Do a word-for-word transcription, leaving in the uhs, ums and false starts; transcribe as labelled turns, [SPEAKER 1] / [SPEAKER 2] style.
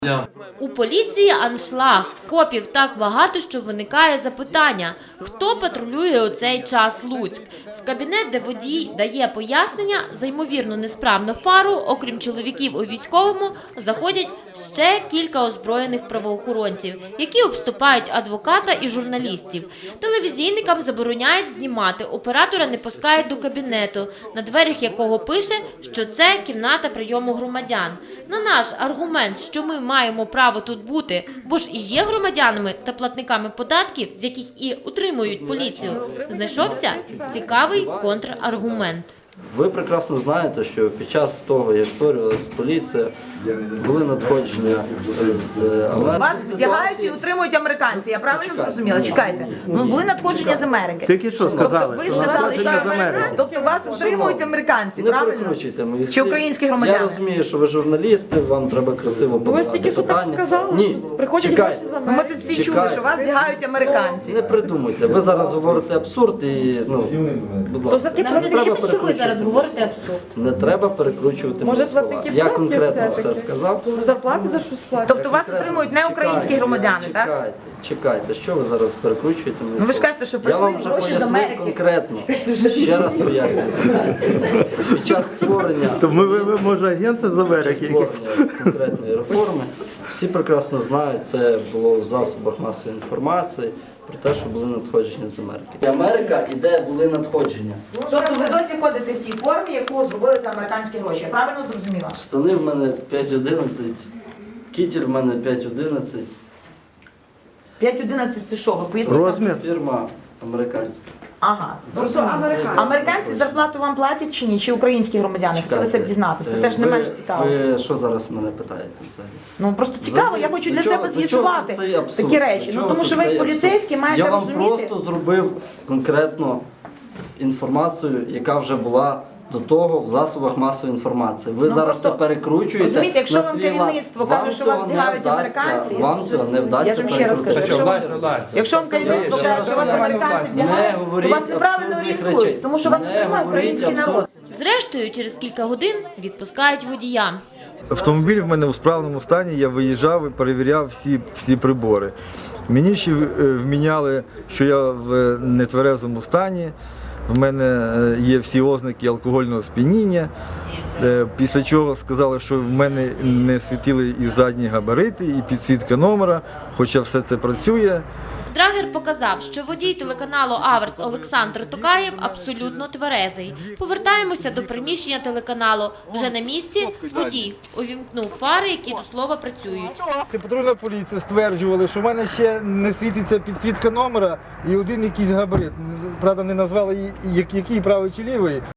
[SPEAKER 1] У поліції аншлаг. Копів так багато, що виникає запитання, хто патрулює у цей час Луцьк. В кабінет, де водій дає пояснення за ймовірно несправну фару, окрім чоловіків у військовому, заходять ще кілька озброєних правоохоронців, які обступають адвоката і журналістів. Телевізійникам забороняють знімати, оператора не пускають до кабінету, на дверях якого пише, що це кімната прийому громадян. На наш аргумент, що ми маємо право тут бути, бо ж і є громадянами та платниками податків, з яких і утримують поліцію, знайшовся цікавий контраргумент.
[SPEAKER 2] Ви прекрасно знаєте, що під час того, як створювалася поліція, були надходження з Америки.
[SPEAKER 3] Вас вдягають і утримують американці, я правильно зрозуміла? Чекайте. Ну, були надходження з Америки.
[SPEAKER 4] Тільки що сказали?
[SPEAKER 3] Тобто ви сказали, що тобто вас утримують американці,
[SPEAKER 2] Не
[SPEAKER 3] правильно?
[SPEAKER 2] перекручуйте мої
[SPEAKER 3] Чи
[SPEAKER 2] слів.
[SPEAKER 3] українські громадяни?
[SPEAKER 2] Я розумію, що ви журналісти, вам треба красиво подавати питання. Ні, чекайте.
[SPEAKER 3] Ну, ми тут всі чули, що вас вдягають американці.
[SPEAKER 2] Не придумуйте. Ви зараз говорите абсурд і, ну, будь ласка, не треба
[SPEAKER 1] Що ви
[SPEAKER 2] перекручувати.
[SPEAKER 1] зараз говорите абсурд?
[SPEAKER 2] Не треба перекручувати мої слова. Я конкретно все сказав.
[SPEAKER 5] Зарплати за що сплачують?
[SPEAKER 3] Тобто вас утримують не українські громадяни, так?
[SPEAKER 2] Чекайте, чекайте, що ви зараз перекручуєте мої
[SPEAKER 3] Ну, ви ж
[SPEAKER 2] слова?
[SPEAKER 3] кажете, що
[SPEAKER 2] Я
[SPEAKER 3] прийшли
[SPEAKER 2] вам вже
[SPEAKER 3] гроші з
[SPEAKER 2] пояснив
[SPEAKER 3] Америки.
[SPEAKER 2] конкретно. Ще раз пояснюю. Під час створення,
[SPEAKER 4] То ми, ви, ви, може, агенти з
[SPEAKER 2] під час
[SPEAKER 4] Америки? якісь?
[SPEAKER 2] створення конкретної реформи всі прекрасно знають, це було в засобах масової інформації, про те, що були надходження з Америки. Америка і де були надходження.
[SPEAKER 3] Тобто ви досі ходите в тій формі, яку зробили за американські гроші. Я правильно зрозуміла?
[SPEAKER 2] Штани в мене п'ять одинадцять, кітель в мене п'ять одинадцять,
[SPEAKER 3] п'ять одинадцять це що? Ви поясніть?
[SPEAKER 4] Розмір?
[SPEAKER 2] фірма американська.
[SPEAKER 3] Ага. Тобто американці зарплату вам платять чи ні? Чи українські громадяни? Хотілося б дізнатися. Це теж не
[SPEAKER 2] Ви-
[SPEAKER 3] менш цікаво.
[SPEAKER 2] Ви що зараз мене питаєте взагалі?
[SPEAKER 3] Ну просто цікаво, я хочу
[SPEAKER 2] До
[SPEAKER 3] для
[SPEAKER 2] чого-
[SPEAKER 3] себе
[SPEAKER 2] до чого
[SPEAKER 3] з'ясувати
[SPEAKER 2] тут цей абсурд?
[SPEAKER 3] такі речі.
[SPEAKER 2] До
[SPEAKER 3] Ну
[SPEAKER 2] чого
[SPEAKER 3] тому
[SPEAKER 2] тут
[SPEAKER 3] що ви
[SPEAKER 2] цей
[SPEAKER 3] як поліцейські
[SPEAKER 2] абсурд?
[SPEAKER 3] маєте
[SPEAKER 2] Я вам
[SPEAKER 3] розуміти.
[SPEAKER 2] просто зробив конкретно інформацію, яка вже була до того в засобах масової інформації. Ви
[SPEAKER 3] Ну,
[SPEAKER 2] зараз
[SPEAKER 3] просто,
[SPEAKER 2] це перекручуєте.
[SPEAKER 3] розумієте, якщо
[SPEAKER 2] на
[SPEAKER 3] вам
[SPEAKER 2] свій лад.
[SPEAKER 3] керівництво
[SPEAKER 2] Вам
[SPEAKER 3] каже, що вас
[SPEAKER 2] цього не
[SPEAKER 3] вдягають
[SPEAKER 2] вдасться,
[SPEAKER 3] американці,
[SPEAKER 2] вам цього не вдасться
[SPEAKER 3] я ж вам ще раз кажу,
[SPEAKER 2] перекрутити.
[SPEAKER 3] якщо вам, якщо вам керівництво
[SPEAKER 2] Ще
[SPEAKER 3] каже,
[SPEAKER 2] раз
[SPEAKER 3] що вас
[SPEAKER 2] говорю,
[SPEAKER 3] американці
[SPEAKER 2] не
[SPEAKER 3] вдягають, то
[SPEAKER 2] говоріть
[SPEAKER 3] вас неправильно
[SPEAKER 2] абсурдних
[SPEAKER 3] орієнтують,
[SPEAKER 2] речей.
[SPEAKER 3] тому що вас
[SPEAKER 2] Не
[SPEAKER 3] утримує
[SPEAKER 2] говоріть
[SPEAKER 3] український народ.
[SPEAKER 2] абсурд.
[SPEAKER 1] Зрештою, через кілька годин відпускають водія.
[SPEAKER 6] Автомобіль в мене у справному стані, я виїжджав і перевіряв всі, всі прибори. Мені ще е, вміняли, що я в нетверезому стані, в мене е, є всі ознаки алкогольного сп'яніння, Е, після чого сказали, що в мене не світили і задні габарити, і підсвітка номера, хоча все це працює.
[SPEAKER 1] Драгер показав, що водій телеканалу «Аверс» Олександр Токаєв абсолютно тверезий. Повертаємося до приміщення телеканалу. Вже на місці водій увімкнув фари, які до слова працюють.
[SPEAKER 4] Патрульна поліція стверджували, що в мене ще не світиться підсвітка номера і один якийсь габарит. Правда, не назвали, який правий чи лівий.